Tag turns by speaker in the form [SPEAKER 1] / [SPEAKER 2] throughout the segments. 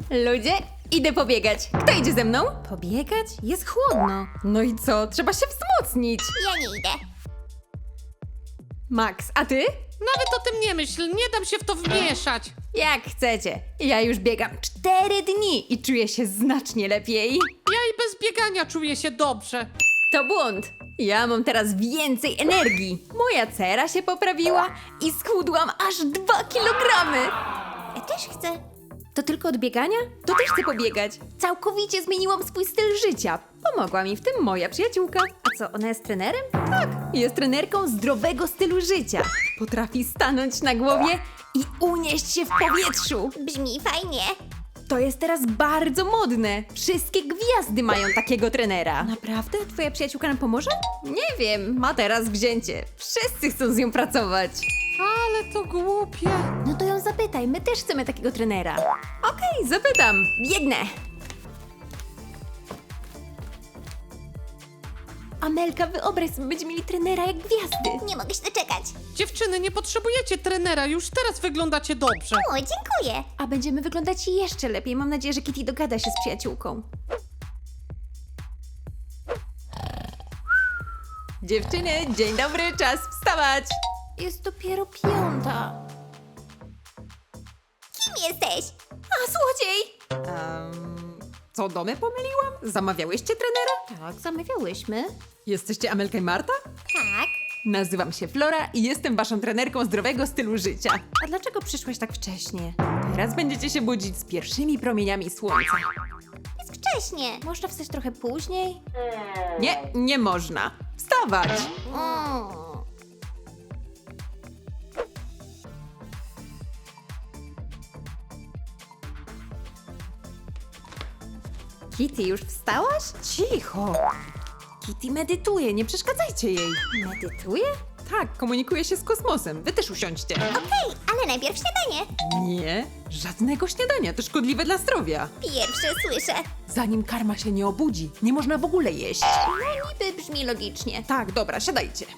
[SPEAKER 1] Ludzie, idę pobiegać. Kto idzie ze mną? Pobiegać? Jest chłodno. No i co? Trzeba się wzmocnić.
[SPEAKER 2] Ja nie idę.
[SPEAKER 1] Max, a ty?
[SPEAKER 3] Nawet o tym nie myśl, nie dam się w to wmieszać.
[SPEAKER 1] Jak chcecie. Ja już biegam 4 dni i czuję się znacznie lepiej.
[SPEAKER 3] Ja i bez biegania czuję się dobrze.
[SPEAKER 1] To błąd. Ja mam teraz więcej energii. Moja cera się poprawiła i schudłam aż 2 kilogramy.
[SPEAKER 2] Ja też chcę.
[SPEAKER 1] To tylko od biegania? To też chcę pobiegać. Całkowicie zmieniłam swój styl życia. Pomogła mi w tym moja przyjaciółka. A co, ona jest trenerem? Tak, jest trenerką zdrowego stylu życia. Potrafi stanąć na głowie i unieść się w powietrzu.
[SPEAKER 2] Brzmi fajnie.
[SPEAKER 1] To jest teraz bardzo modne. Wszystkie gwiazdy mają takiego trenera. Naprawdę? Twoja przyjaciółka nam pomoże? Nie wiem, ma teraz wzięcie. Wszyscy chcą z nią pracować.
[SPEAKER 3] Ale to głupie.
[SPEAKER 1] No to ją zapytaj, my też chcemy takiego trenera. Okej, zapytam. Biegnę. Amelka, wyobraź sobie, będziemy mieli trenera jak gwiazdy.
[SPEAKER 2] Nie mogę się doczekać.
[SPEAKER 3] Dziewczyny, nie potrzebujecie trenera, już teraz wyglądacie dobrze.
[SPEAKER 2] O, dziękuję.
[SPEAKER 1] A będziemy wyglądać jeszcze lepiej. Mam nadzieję, że Kitty dogada się z przyjaciółką. Dziewczyny, dzień dobry, czas wstawać. Jest dopiero 5.
[SPEAKER 2] Kim jesteś?
[SPEAKER 1] A, złodziej! Co, domy pomyliłam? Zamawiałyście trenera? Tak, zamawiałyśmy. Jesteście Amelka i Marta?
[SPEAKER 2] Tak.
[SPEAKER 1] Nazywam się Flora i jestem waszą trenerką zdrowego stylu życia. A dlaczego przyszłaś tak wcześnie? Teraz będziecie się budzić z pierwszymi promieniami słońca.
[SPEAKER 2] Jest wcześnie.
[SPEAKER 1] Można wstać trochę później? Nie, nie można. Wstawać!
[SPEAKER 2] Mm.
[SPEAKER 1] Kitty, już wstałaś? Cicho! Kitty medytuje, nie przeszkadzajcie jej. Medytuje? Tak, komunikuje się z kosmosem. Wy też usiądźcie.
[SPEAKER 2] Okej, ale najpierw śniadanie.
[SPEAKER 1] Nie, żadnego śniadania, to szkodliwe dla zdrowia.
[SPEAKER 2] Pierwsze słyszę.
[SPEAKER 1] Zanim karma się nie obudzi, nie można w ogóle jeść.
[SPEAKER 2] No niby brzmi logicznie.
[SPEAKER 1] Tak, dobra, siadajcie.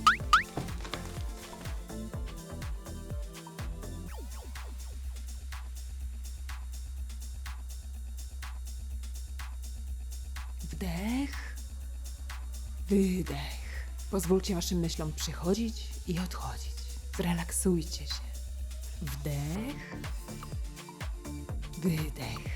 [SPEAKER 1] Wdech, wydech. Pozwólcie waszym myślom przychodzić i odchodzić. Zrelaksujcie się. Wdech, wydech.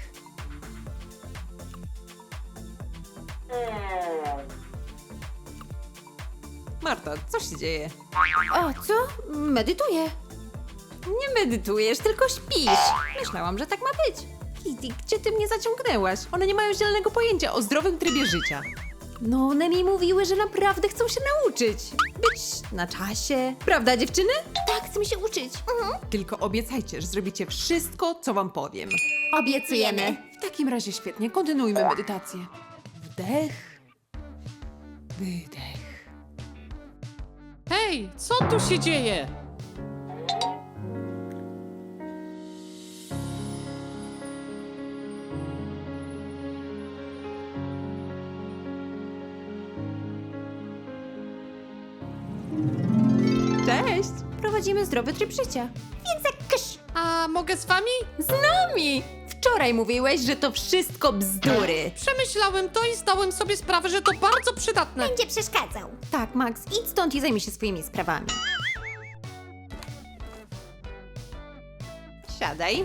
[SPEAKER 1] Marta, co się dzieje? O, co? Medytuję. Nie medytujesz, tylko śpisz. Myślałam, że tak ma być. Kitty, gdzie ty mnie zaciągnęłaś? One nie mają zielonego pojęcia o zdrowym trybie życia. No, one mi mówiły, że naprawdę chcą się nauczyć. Być na czasie. Prawda, dziewczyny?
[SPEAKER 2] Tak, chcę mi się uczyć.
[SPEAKER 1] Tylko obiecajcie, że zrobicie wszystko, co wam powiem.
[SPEAKER 2] Obiecujemy.
[SPEAKER 1] W takim razie świetnie, kontynuujmy medytację. Wdech, wydech.
[SPEAKER 3] Hej, co tu się dzieje?
[SPEAKER 1] Cześć! Prowadzimy zdrowy tryb życia.
[SPEAKER 2] Więc jak kysz.
[SPEAKER 3] A mogę z wami?
[SPEAKER 1] Z nami! Wczoraj mówiłeś, że to wszystko bzdury.
[SPEAKER 3] Przemyślałem to i zdałem sobie sprawę, że to bardzo przydatne.
[SPEAKER 2] Będzie przeszkadzał.
[SPEAKER 1] Tak, Max, idź stąd i zajmij się swoimi sprawami. Siadaj.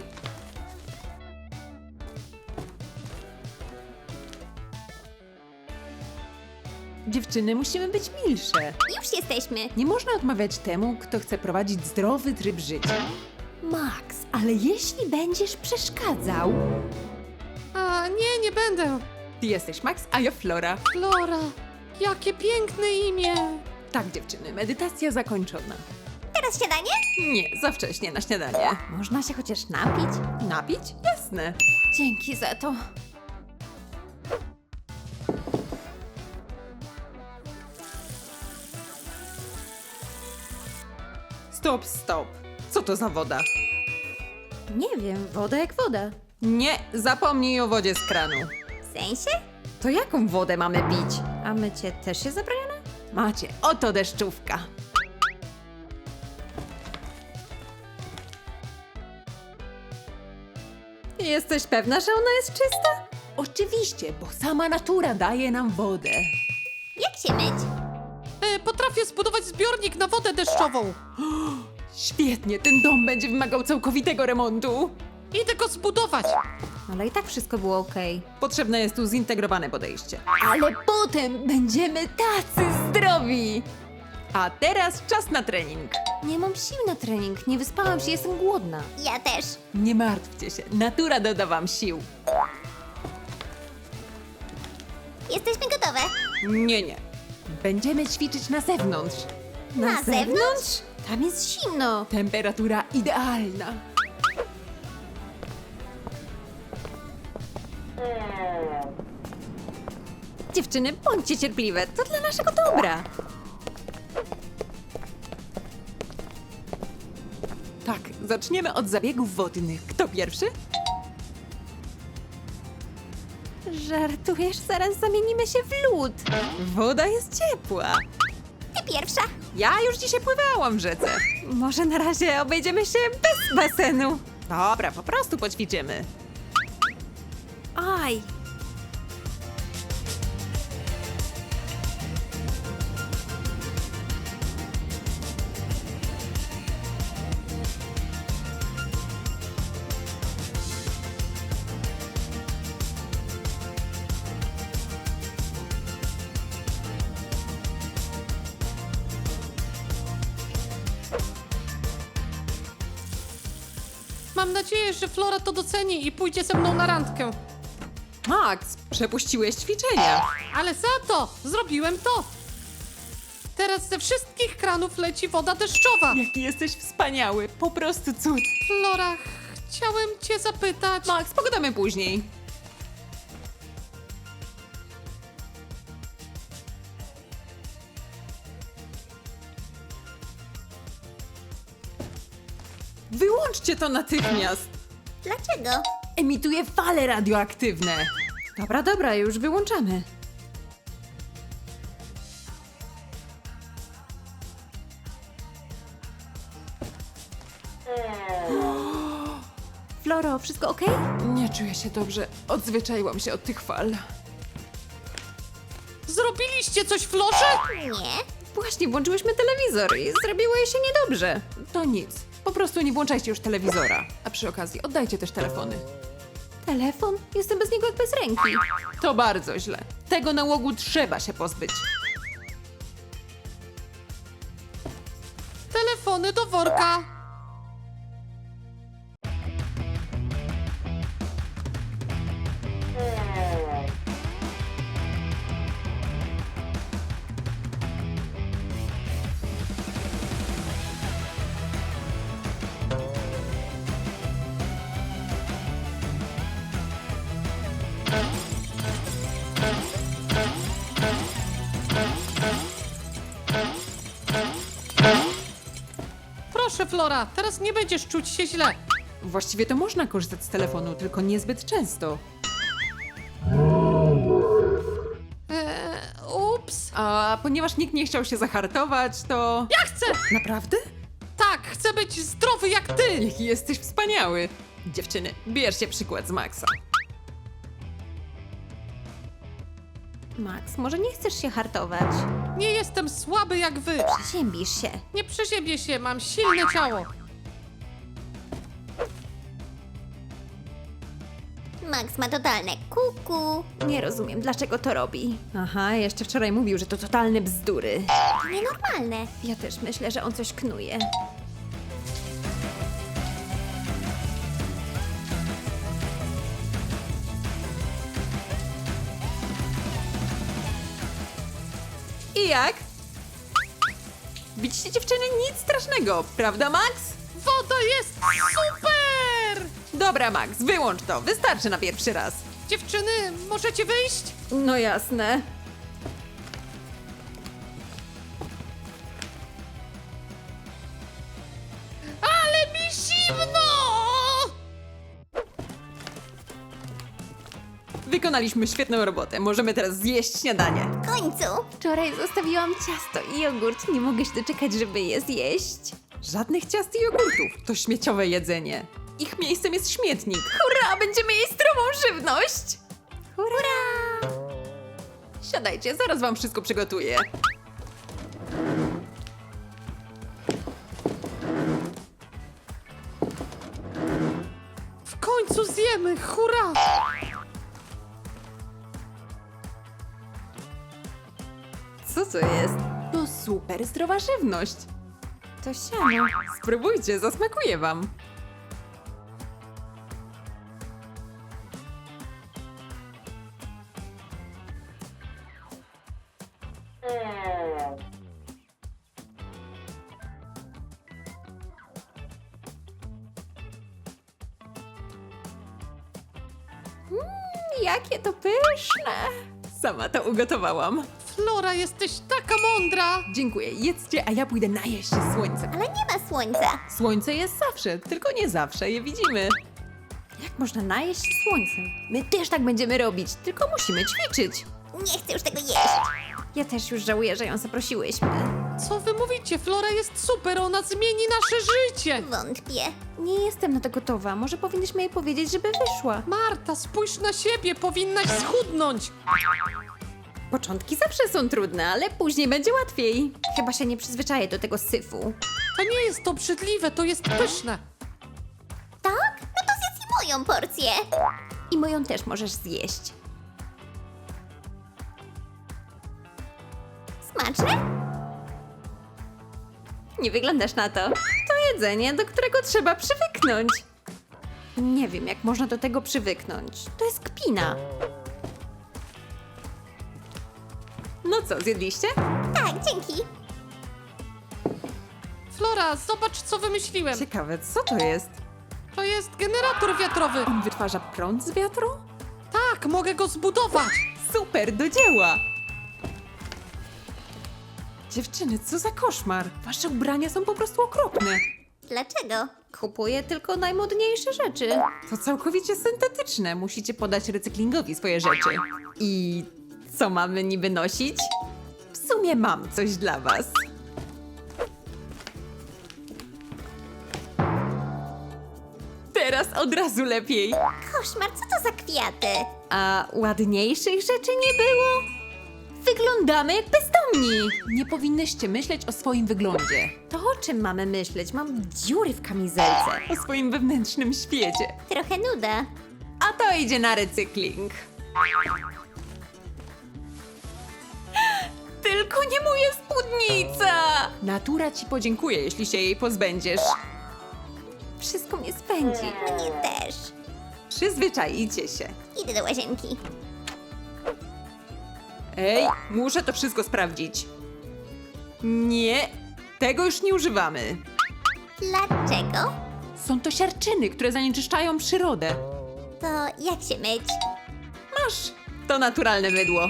[SPEAKER 1] Dziewczyny, musimy być milsze.
[SPEAKER 2] Już jesteśmy.
[SPEAKER 1] Nie można odmawiać temu, kto chce prowadzić zdrowy tryb życia. Max, ale jeśli będziesz przeszkadzał...
[SPEAKER 3] A nie, nie będę.
[SPEAKER 1] Ty jesteś Max, a ja Flora.
[SPEAKER 3] Flora, jakie piękne imię.
[SPEAKER 1] Tak, dziewczyny, medytacja zakończona.
[SPEAKER 2] Teraz śniadanie?
[SPEAKER 1] Nie, za wcześnie na śniadanie. Można się chociaż napić? Napić? Jasne. Dzięki za to. Stop, stop. Co to za woda? Nie wiem, woda jak woda. Nie, zapomnij o wodzie z kranu.
[SPEAKER 2] W sensie?
[SPEAKER 1] To jaką wodę mamy pić? A mycie też jest zabronione? Macie, oto deszczówka. Jesteś pewna, że ona jest czysta? Oczywiście, bo sama natura daje nam wodę.
[SPEAKER 2] Jak się myć?
[SPEAKER 3] Potrafię zbudować zbiornik na wodę deszczową.
[SPEAKER 1] Świetnie, ten dom będzie wymagał całkowitego remontu.
[SPEAKER 3] Idę go zbudować.
[SPEAKER 1] Ale i tak wszystko było okej. Potrzebne jest tu zintegrowane podejście. Ale potem będziemy tacy zdrowi! A teraz czas na trening. Nie mam sił na trening, nie wyspałam się, jestem głodna.
[SPEAKER 2] Ja też.
[SPEAKER 1] Nie martwcie się, natura doda wam sił.
[SPEAKER 2] Jesteśmy gotowe.
[SPEAKER 1] Nie. Będziemy ćwiczyć na zewnątrz.
[SPEAKER 2] Na zewnątrz?
[SPEAKER 1] Tam jest zimno. Temperatura idealna. Dziewczyny, bądźcie cierpliwe, to dla naszego dobra. Tak, zaczniemy od zabiegów wodnych. Kto pierwszy? Żartujesz, zaraz zamienimy się w lód. Woda jest ciepła.
[SPEAKER 2] Ty pierwsza.
[SPEAKER 1] Ja już dzisiaj pływałam w rzece. Może na razie obejdziemy się bez basenu. Dobra, po prostu poćwiczymy. Aj.
[SPEAKER 3] Mam nadzieję, że Flora to doceni i pójdzie ze mną na randkę.
[SPEAKER 1] Max, przepuściłeś ćwiczenia.
[SPEAKER 3] Ale za to zrobiłem to. Teraz ze wszystkich kranów leci woda deszczowa.
[SPEAKER 1] Jaki jesteś wspaniały, po prostu cud.
[SPEAKER 3] Flora, chciałem cię zapytać.
[SPEAKER 1] Max, pogadamy później. Wyłączcie to natychmiast.
[SPEAKER 2] Dlaczego?
[SPEAKER 1] Emituje fale radioaktywne. Dobra, już wyłączamy. Floro, wszystko okej? Nie czuję się dobrze. Odzwyczaiłam się od tych fal.
[SPEAKER 3] Zrobiliście coś Florze?
[SPEAKER 2] Nie.
[SPEAKER 1] Właśnie włączyłyśmy telewizor i zrobiło jej się niedobrze. To nic. Po prostu nie włączajcie już telewizora. A przy okazji oddajcie też telefony. Telefon? Jestem bez niego jak bez ręki. To bardzo źle. Tego nałogu trzeba się pozbyć.
[SPEAKER 3] Telefony do worka. Proszę Flora, teraz nie będziesz czuć się źle.
[SPEAKER 1] Właściwie to można korzystać z telefonu, tylko niezbyt często.
[SPEAKER 3] Ups.
[SPEAKER 1] A ponieważ nikt nie chciał się zahartować, to...
[SPEAKER 3] Ja chcę!
[SPEAKER 1] Naprawdę?
[SPEAKER 3] Tak, chcę być zdrowy jak ty!
[SPEAKER 1] Jaki jesteś wspaniały. Dziewczyny, bierzcie przykład z Maxa. Max, może nie chcesz się hartować?
[SPEAKER 3] Nie jestem słaby jak wy.
[SPEAKER 1] Przeziębisz się.
[SPEAKER 3] Nie przeziębię się, mam silne ciało.
[SPEAKER 2] Max ma totalne kuku.
[SPEAKER 1] Nie rozumiem, dlaczego to robi. Aha, jeszcze wczoraj mówił, że to totalne bzdury.
[SPEAKER 2] To nienormalne.
[SPEAKER 1] Ja też myślę, że on coś knuje. I jak? Widzicie dziewczyny? Nic strasznego, prawda Max?
[SPEAKER 3] Woda jest super!
[SPEAKER 1] Dobra Max, wyłącz to, wystarczy na pierwszy raz.
[SPEAKER 3] Dziewczyny, możecie wyjść?
[SPEAKER 1] No jasne.
[SPEAKER 3] Ale mi zimno!
[SPEAKER 1] Wykonaliśmy świetną robotę, możemy teraz zjeść śniadanie.
[SPEAKER 2] W końcu.
[SPEAKER 1] Wczoraj zostawiłam ciasto i jogurt, nie mogę się doczekać, żeby je zjeść. Żadnych ciast i jogurtów, to śmieciowe jedzenie. Ich miejscem jest śmietnik. Hurra, będziemy jeść zdrową żywność! Hurra! Siadajcie, zaraz wam wszystko przygotuję.
[SPEAKER 3] W końcu zjemy, hurra!
[SPEAKER 1] Co to jest? To super zdrowa żywność. To siano. Spróbujcie, zasmakuje wam. Jakie to pyszne! Sama to ugotowałam.
[SPEAKER 3] Flora, jesteś taka mądra!
[SPEAKER 1] Dziękuję, jedzcie, a ja pójdę najeść się słońcem.
[SPEAKER 2] Ale nie ma słońca.
[SPEAKER 1] Słońce jest zawsze, tylko nie zawsze je widzimy. Jak można najeść się słońcem? My też tak będziemy robić, tylko musimy ćwiczyć.
[SPEAKER 2] Nie chcę już tego jeść.
[SPEAKER 1] Ja też już żałuję, że ją zaprosiłyśmy.
[SPEAKER 3] Co wy mówicie? Flora jest super, ona zmieni nasze życie!
[SPEAKER 2] Wątpię.
[SPEAKER 1] Nie jestem na to gotowa, może powinniśmy jej powiedzieć, żeby wyszła.
[SPEAKER 3] Marta, spójrz na siebie, powinnaś schudnąć!
[SPEAKER 1] Początki zawsze są trudne, ale później będzie łatwiej. Chyba się nie przyzwyczaję do tego syfu.
[SPEAKER 3] To nie jest obrzydliwe, to jest pyszne!
[SPEAKER 2] Tak? No to zjedz i moją porcję.
[SPEAKER 1] I moją też możesz zjeść.
[SPEAKER 2] Smaczne?
[SPEAKER 1] Nie wyglądasz na to. To jedzenie, do którego trzeba przywyknąć. Nie wiem, jak można do tego przywyknąć. To jest kpina. No co, zjedliście?
[SPEAKER 2] Tak, dzięki.
[SPEAKER 3] Flora, zobacz co wymyśliłem!
[SPEAKER 1] Ciekawe, co to jest?
[SPEAKER 3] To jest generator wiatrowy!
[SPEAKER 1] On wytwarza prąd z wiatru?
[SPEAKER 3] Tak, mogę go zbudować!
[SPEAKER 1] Super, do dzieła! Dziewczyny, co za koszmar? Wasze ubrania są po prostu okropne.
[SPEAKER 2] Dlaczego?
[SPEAKER 1] Kupuję tylko najmodniejsze rzeczy. To całkowicie syntetyczne. Musicie podać recyklingowi swoje rzeczy. I co mamy niby nosić? W sumie mam coś dla was. Teraz od razu lepiej.
[SPEAKER 2] Koszmar, co to za kwiaty?
[SPEAKER 1] A ładniejszych rzeczy nie było? Wyglądamy jak bezdomni! Nie powinnyście myśleć o swoim wyglądzie. To o czym mamy myśleć? Mam dziury w kamizelce. O swoim wewnętrznym świecie.
[SPEAKER 2] Trochę nuda.
[SPEAKER 1] A to idzie na recykling. Tylko nie moja spódnica! Natura ci podziękuje, jeśli się jej pozbędziesz. Wszystko mnie spędzi.
[SPEAKER 2] Mnie też.
[SPEAKER 1] Przyzwyczajcie się.
[SPEAKER 2] Idę do łazienki.
[SPEAKER 1] Ej, muszę to wszystko sprawdzić. Nie, tego już nie używamy.
[SPEAKER 2] Dlaczego?
[SPEAKER 1] Są to siarczyny, które zanieczyszczają przyrodę.
[SPEAKER 2] To jak się myć?
[SPEAKER 1] Masz, to naturalne mydło.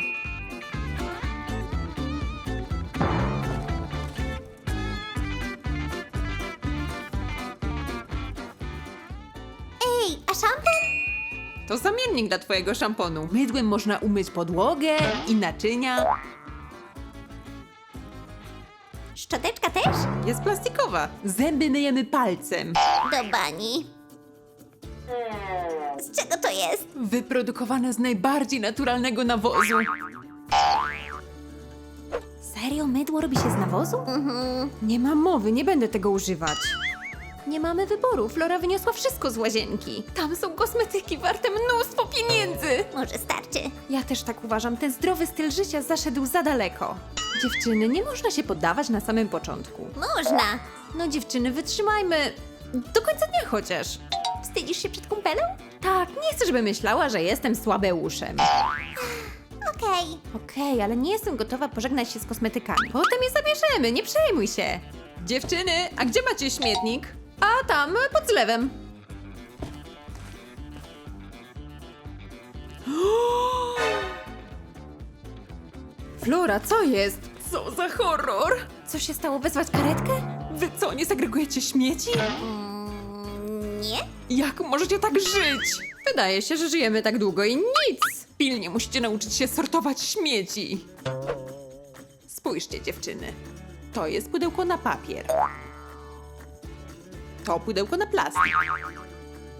[SPEAKER 2] Ej, a szampon?
[SPEAKER 1] To zamiennik dla twojego szamponu. Mydłem można umyć podłogę i naczynia.
[SPEAKER 2] Szczoteczka też?
[SPEAKER 1] Jest plastikowa. Zęby myjemy palcem.
[SPEAKER 2] Do bani. Z czego to jest?
[SPEAKER 1] Wyprodukowane z najbardziej naturalnego nawozu. Serio? Mydło robi się z nawozu? Nie ma mowy, nie będę tego używać. Nie mamy wyboru. Flora wyniosła wszystko z łazienki. Tam są kosmetyki warte mnóstwo pieniędzy.
[SPEAKER 2] Może starczy.
[SPEAKER 1] Ja też tak uważam. Ten zdrowy styl życia zaszedł za daleko. Dziewczyny, nie można się poddawać na samym początku.
[SPEAKER 2] Można.
[SPEAKER 1] No dziewczyny, wytrzymajmy do końca dnia chociaż.
[SPEAKER 2] Wstydzisz się przed kumpelą?
[SPEAKER 1] Tak, nie chcę, żeby myślała, że jestem słabeuszem.
[SPEAKER 2] Okej.
[SPEAKER 1] Okej, ale nie jestem gotowa pożegnać się z kosmetykami. Potem je zabierzemy, nie przejmuj się. Dziewczyny, a gdzie macie śmietnik? A tam, pod zlewem. Flora, co jest? Co za horror? Co się stało? Wezwać karetkę? Wy co, nie segregujecie śmieci?
[SPEAKER 2] Nie?
[SPEAKER 1] Jak możecie tak żyć? Wydaje się, że żyjemy tak długo i nic. Pilnie musicie nauczyć się sortować śmieci. Spójrzcie, dziewczyny. To jest pudełko na papier. To pudełko na plastik.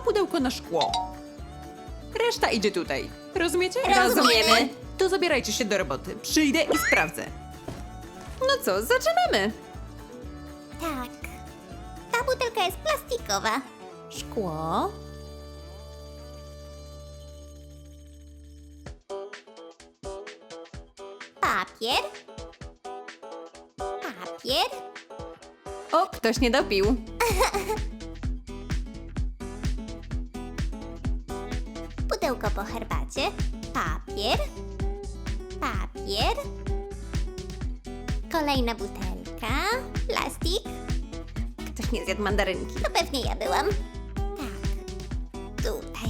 [SPEAKER 1] pudełko na szkło. Reszta idzie tutaj. Rozumiecie?
[SPEAKER 2] Rozumiemy.
[SPEAKER 1] To zabierajcie się do roboty. Przyjdę i sprawdzę. No co, zaczynamy.
[SPEAKER 2] Tak. Ta butelka jest plastikowa.
[SPEAKER 1] Szkło.
[SPEAKER 2] Papier. Papier.
[SPEAKER 1] O, ktoś nie dopił.
[SPEAKER 2] Pudełko po herbacie. Papier. Papier. Kolejna butelka. Plastik.
[SPEAKER 1] Ktoś nie zjadł mandarynki.
[SPEAKER 2] To pewnie ja byłam. Tak. Tutaj.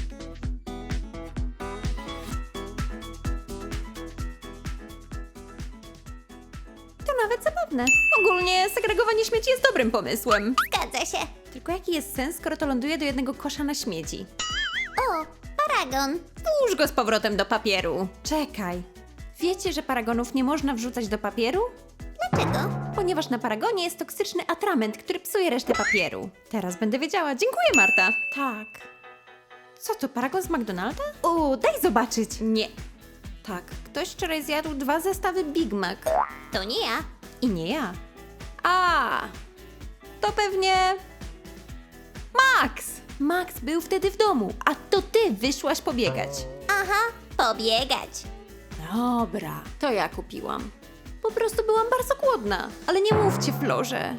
[SPEAKER 1] To nawet zabawne. Ogólnie segregowanie śmieci jest dobrym pomysłem.
[SPEAKER 2] Zgadza się.
[SPEAKER 1] Tylko jaki jest sens, skoro to ląduje do jednego kosza na śmieci?
[SPEAKER 2] O, paragon.
[SPEAKER 1] Włóż go z powrotem do papieru. Czekaj. Wiecie, że paragonów nie można wrzucać do papieru?
[SPEAKER 2] Dlaczego?
[SPEAKER 1] Ponieważ na paragonie jest toksyczny atrament, który psuje resztę papieru. Teraz będę wiedziała. Dziękuję, Marta. Tak. Co to, paragon z McDonalda? O, daj zobaczyć. Nie. Tak, ktoś wczoraj zjadł 2 zestawy Big Mac.
[SPEAKER 2] To nie ja.
[SPEAKER 1] I nie ja. A, to pewnie... Max! Max był wtedy w domu, a to ty wyszłaś pobiegać.
[SPEAKER 2] Aha, pobiegać.
[SPEAKER 1] Dobra, to ja kupiłam. Po prostu byłam bardzo głodna, ale nie mówcie Florze.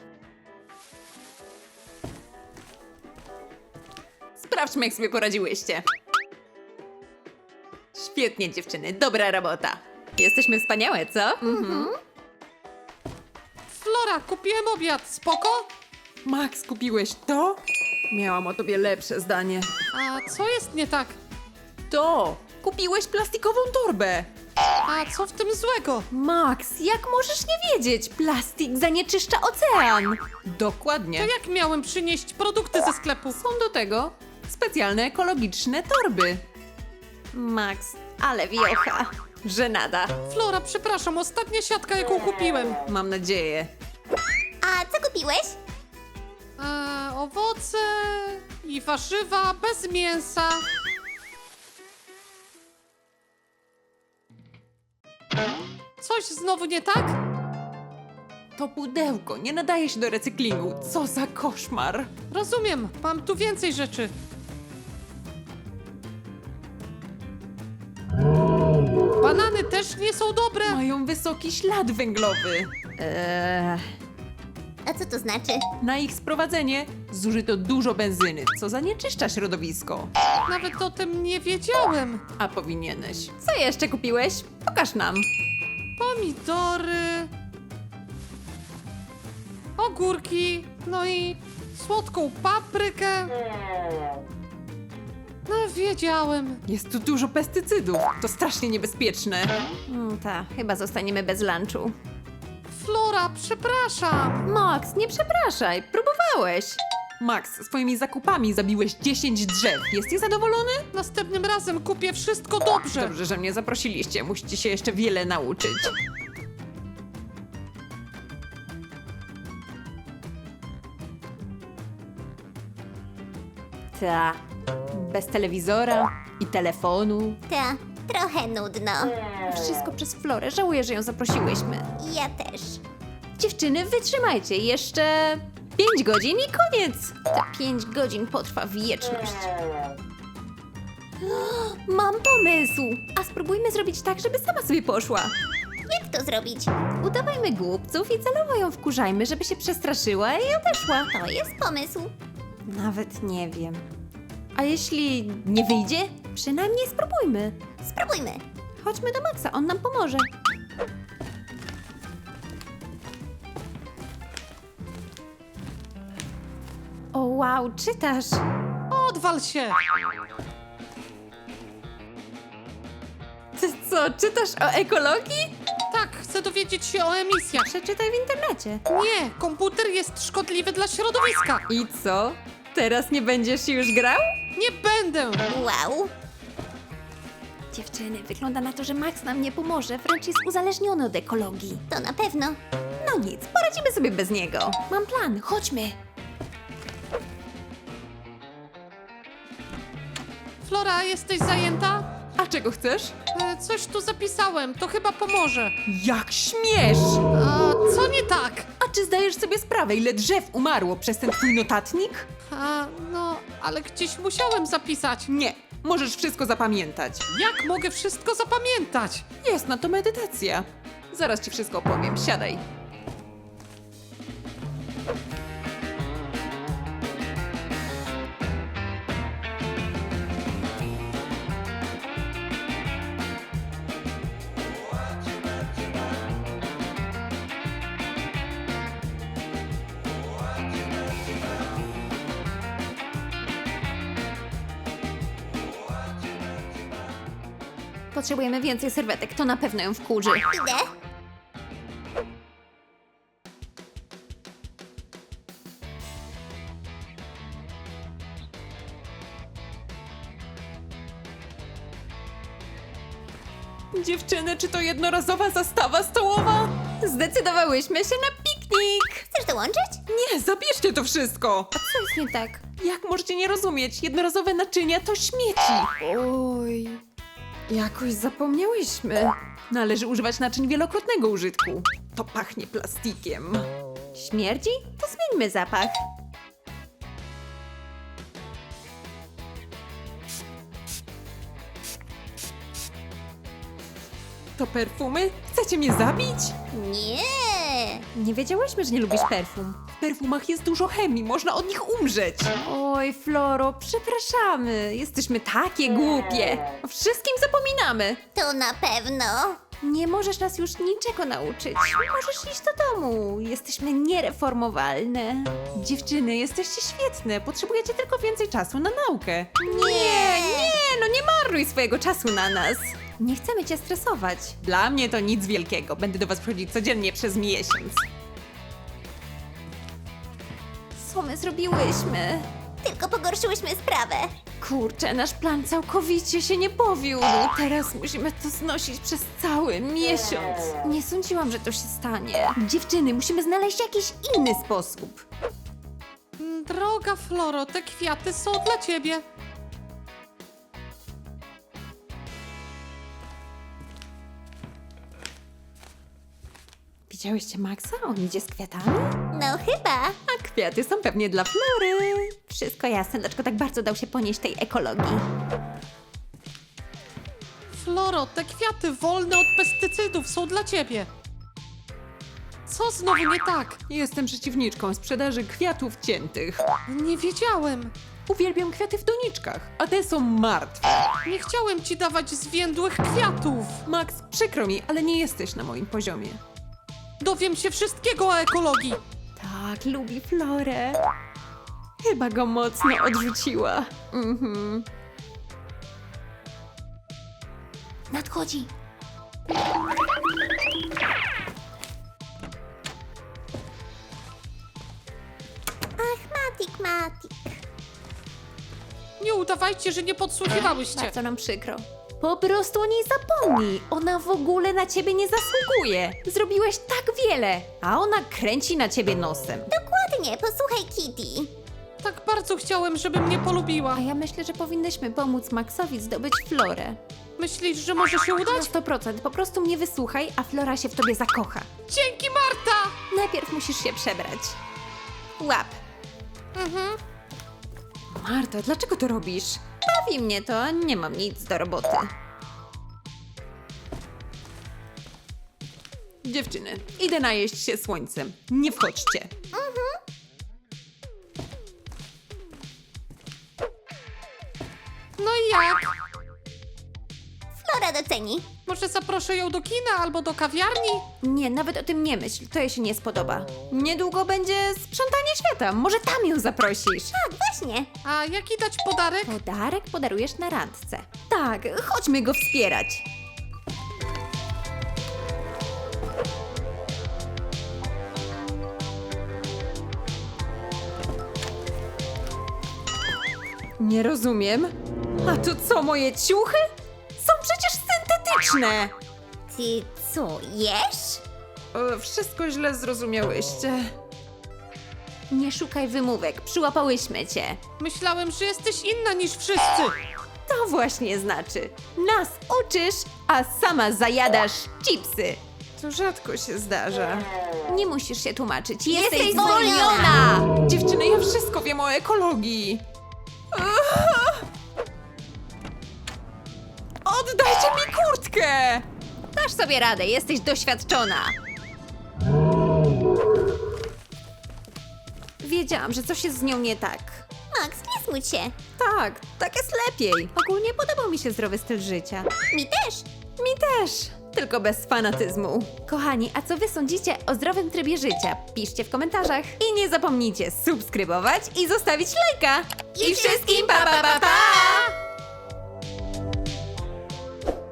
[SPEAKER 1] Sprawdźmy, jak sobie poradziłyście. Świetnie, dziewczyny, dobra robota. Jesteśmy wspaniałe, co?
[SPEAKER 3] Flora, kupiłem obiad, spoko?
[SPEAKER 1] Max, kupiłeś to? Miałam o tobie lepsze zdanie.
[SPEAKER 3] A co jest nie tak?
[SPEAKER 1] To! Kupiłeś plastikową torbę!
[SPEAKER 3] A co w tym złego?
[SPEAKER 1] Max, jak możesz nie wiedzieć? Plastik zanieczyszcza ocean! Dokładnie.
[SPEAKER 3] To jak miałem przynieść produkty ze sklepu?
[SPEAKER 1] Są do tego specjalne ekologiczne torby. Max, ale wiocha. Żenada.
[SPEAKER 3] Flora, przepraszam, ostatnia siatka, jaką kupiłem.
[SPEAKER 1] Mam nadzieję.
[SPEAKER 2] A co kupiłeś?
[SPEAKER 3] Owoce i warzywa bez mięsa. Coś znowu nie tak?
[SPEAKER 1] To pudełko nie nadaje się do recyklingu. Co za koszmar.
[SPEAKER 3] Rozumiem, mam tu więcej rzeczy. Banany też nie są dobre.
[SPEAKER 1] Mają wysoki ślad węglowy.
[SPEAKER 2] A co to znaczy?
[SPEAKER 1] Na ich sprowadzenie zużyto dużo benzyny, co zanieczyszcza środowisko.
[SPEAKER 3] Nawet o tym nie wiedziałem.
[SPEAKER 1] A powinieneś. Co jeszcze kupiłeś? Pokaż nam.
[SPEAKER 3] Pomidory, ogórki, no i słodką paprykę. No, wiedziałem.
[SPEAKER 1] Jest tu dużo pestycydów. To strasznie niebezpieczne. Ta, chyba zostaniemy bez lunchu.
[SPEAKER 3] Flora, przepraszam.
[SPEAKER 1] Max, nie przepraszaj. Próbowałeś. Max, swoimi zakupami zabiłeś 10 drzew. Jesteś zadowolony?
[SPEAKER 3] Następnym razem kupię wszystko dobrze.
[SPEAKER 1] Dobrze, że mnie zaprosiliście. Musicie się jeszcze wiele nauczyć. Ta. Bez telewizora i telefonu.
[SPEAKER 2] Ta, trochę nudno.
[SPEAKER 1] Wszystko przez Florę. Żałuję, że ją zaprosiłyśmy.
[SPEAKER 2] Ja też.
[SPEAKER 1] Dziewczyny, wytrzymajcie. Jeszcze 5 godzin i koniec. Te 5 godzin potrwa wieczność. Mam pomysł. A spróbujmy zrobić tak, żeby sama sobie poszła.
[SPEAKER 2] Jak to zrobić?
[SPEAKER 1] Udawajmy głupców i celowo ją wkurzajmy, żeby się przestraszyła i odeszła.
[SPEAKER 2] To jest pomysł.
[SPEAKER 1] Nawet nie wiem. A jeśli nie wyjdzie? Przynajmniej spróbujmy.
[SPEAKER 2] Spróbujmy.
[SPEAKER 1] Chodźmy do Maxa, on nam pomoże. O wow, czytasz.
[SPEAKER 3] Odwal się.
[SPEAKER 1] Ty co, czytasz o ekologii?
[SPEAKER 3] Tak, chcę dowiedzieć się o emisjach.
[SPEAKER 1] Przeczytaj w internecie.
[SPEAKER 3] Nie, komputer jest szkodliwy dla środowiska.
[SPEAKER 1] I co? Teraz nie będziesz już grał?
[SPEAKER 3] Nie będę.
[SPEAKER 2] Wow.
[SPEAKER 1] Dziewczyny, wygląda na to, że Max nam nie pomoże, wręcz jest uzależniony od ekologii.
[SPEAKER 2] To na pewno.
[SPEAKER 1] No nic, poradzimy sobie bez niego. Mam plan, chodźmy.
[SPEAKER 3] Flora, jesteś zajęta?
[SPEAKER 1] A czego chcesz?
[SPEAKER 3] Coś tu zapisałem, to chyba pomoże.
[SPEAKER 1] Jak śmiesz!
[SPEAKER 3] A co nie tak?
[SPEAKER 1] A czy zdajesz sobie sprawę, ile drzew umarło przez ten twój notatnik?
[SPEAKER 3] No, ale gdzieś musiałem zapisać.
[SPEAKER 1] Nie, możesz wszystko zapamiętać.
[SPEAKER 3] Jak mogę wszystko zapamiętać?
[SPEAKER 1] Jest na to medytacja. Zaraz ci wszystko opowiem, siadaj. Potrzebujemy więcej serwetek, to na pewno ją wkurzy.
[SPEAKER 2] Idę.
[SPEAKER 1] Dziewczyny, czy to jednorazowa zastawa stołowa? Zdecydowałyśmy się na piknik!
[SPEAKER 2] Chcesz dołączyć?
[SPEAKER 1] Nie, zabierzcie to wszystko!
[SPEAKER 2] Co jest nie tak?
[SPEAKER 1] Jak możecie nie rozumieć? Jednorazowe naczynia to śmieci. Oj, jakoś zapomniałyśmy. Należy używać naczyń wielokrotnego użytku. To pachnie plastikiem. Śmierdzi? To zmieńmy zapach. To perfumy? Chcecie mnie zabić?
[SPEAKER 2] Nie.
[SPEAKER 1] Nie wiedziałyśmy, że nie lubisz perfum. W perfumach jest dużo chemii, można od nich umrzeć. Oj, Floro, przepraszamy. Jesteśmy takie głupie. O wszystkim zapominamy.
[SPEAKER 2] To na pewno.
[SPEAKER 1] Nie możesz nas już niczego nauczyć. Możesz iść do domu. Jesteśmy niereformowalne. Dziewczyny, jesteście świetne. Potrzebujecie tylko więcej czasu na naukę. Nie, no nie marnuj swojego czasu na nas. Nie chcemy cię stresować. Dla mnie to nic wielkiego. Będę do was przychodzić codziennie przez miesiąc. Co my zrobiłyśmy?
[SPEAKER 2] Tylko pogorszyłyśmy sprawę.
[SPEAKER 1] Kurczę, nasz plan całkowicie się nie powiódł. Teraz musimy to znosić przez cały miesiąc. Nie sądziłam, że to się stanie. Dziewczyny, musimy znaleźć jakiś inny sposób.
[SPEAKER 3] Droga Floro, te kwiaty są dla ciebie.
[SPEAKER 1] Widziałyście Maxa? On idzie z kwiatami?
[SPEAKER 2] No chyba.
[SPEAKER 1] A kwiaty są pewnie dla Flory. Wszystko jasne, dlaczego tak bardzo dał się ponieść tej ekologii.
[SPEAKER 3] Floro, te kwiaty wolne od pestycydów są dla ciebie. Co znowu nie tak?
[SPEAKER 1] Jestem przeciwniczką sprzedaży kwiatów ciętych.
[SPEAKER 3] Nie wiedziałem.
[SPEAKER 1] Uwielbiam kwiaty w doniczkach, a te są martwe.
[SPEAKER 3] Nie chciałem ci dawać zwiędłych kwiatów.
[SPEAKER 1] Max, przykro mi, ale nie jesteś na moim poziomie.
[SPEAKER 3] Dowiem się wszystkiego o ekologii.
[SPEAKER 1] Tak, lubi Florę. Chyba go mocno odrzuciła.
[SPEAKER 2] Nadchodzi. Ach, Matik.
[SPEAKER 3] Nie udawajcie, że nie podsłuchiwałyście.
[SPEAKER 1] Bardzo nam przykro. Po prostu o niej zapomnij. Ona w ogóle na ciebie nie zasługuje. Zrobiłeś tak wiele, a ona kręci na ciebie nosem.
[SPEAKER 2] Dokładnie, posłuchaj Kitty.
[SPEAKER 3] Tak bardzo chciałem, żeby mnie polubiła.
[SPEAKER 1] A ja myślę, że powinnyśmy pomóc Maxowi zdobyć Florę.
[SPEAKER 3] Myślisz, że może się
[SPEAKER 1] Na
[SPEAKER 3] udać?
[SPEAKER 1] 100%. Po prostu mnie wysłuchaj, a Flora się w tobie zakocha.
[SPEAKER 3] Dzięki, Marta!
[SPEAKER 1] Najpierw musisz się przebrać. Łap. Marta, dlaczego to robisz? Bawi mnie to, a nie mam nic do roboty. Dziewczyny, idę najeść się słońcem. Nie wchodźcie.
[SPEAKER 3] No i jak?
[SPEAKER 2] Flora doceni.
[SPEAKER 3] Może zaproszę ją do kina albo do kawiarni?
[SPEAKER 1] Nie, nawet o tym nie myśl, to jej się nie spodoba. Niedługo będzie sprzątanie świata, może tam ją zaprosisz.
[SPEAKER 2] Tak, właśnie.
[SPEAKER 3] A jaki dać podarek?
[SPEAKER 1] Podarek podarujesz na randce. Tak, chodźmy go wspierać. Nie rozumiem. A to co, moje ciuchy? Są przecież syntetyczne!
[SPEAKER 2] Ty co, jesz?
[SPEAKER 1] Wszystko źle zrozumiałyście. Nie szukaj wymówek, przyłapałyśmy cię.
[SPEAKER 3] Myślałem, że jesteś inna niż wszyscy.
[SPEAKER 1] To właśnie znaczy. Nas uczysz, a sama zajadasz chipsy. To rzadko się zdarza. Nie musisz się tłumaczyć. Jesteś
[SPEAKER 2] zwolniona!
[SPEAKER 1] Dziewczyny, ja wszystko wiem o ekologii. Oddajcie mi kurtkę! Dasz sobie radę, jesteś doświadczona. Wiedziałam, że coś jest z nią nie tak.
[SPEAKER 2] Max, nie smuć się.
[SPEAKER 1] Tak jest lepiej. Ogólnie podobał mi się zdrowy styl życia.
[SPEAKER 2] Mi też.
[SPEAKER 1] Mi też, tylko bez fanatyzmu. Kochani, a co wy sądzicie o zdrowym trybie życia? Piszcie w komentarzach. I nie zapomnijcie subskrybować i zostawić lajka.
[SPEAKER 2] I wszystkim pa pa pa pa!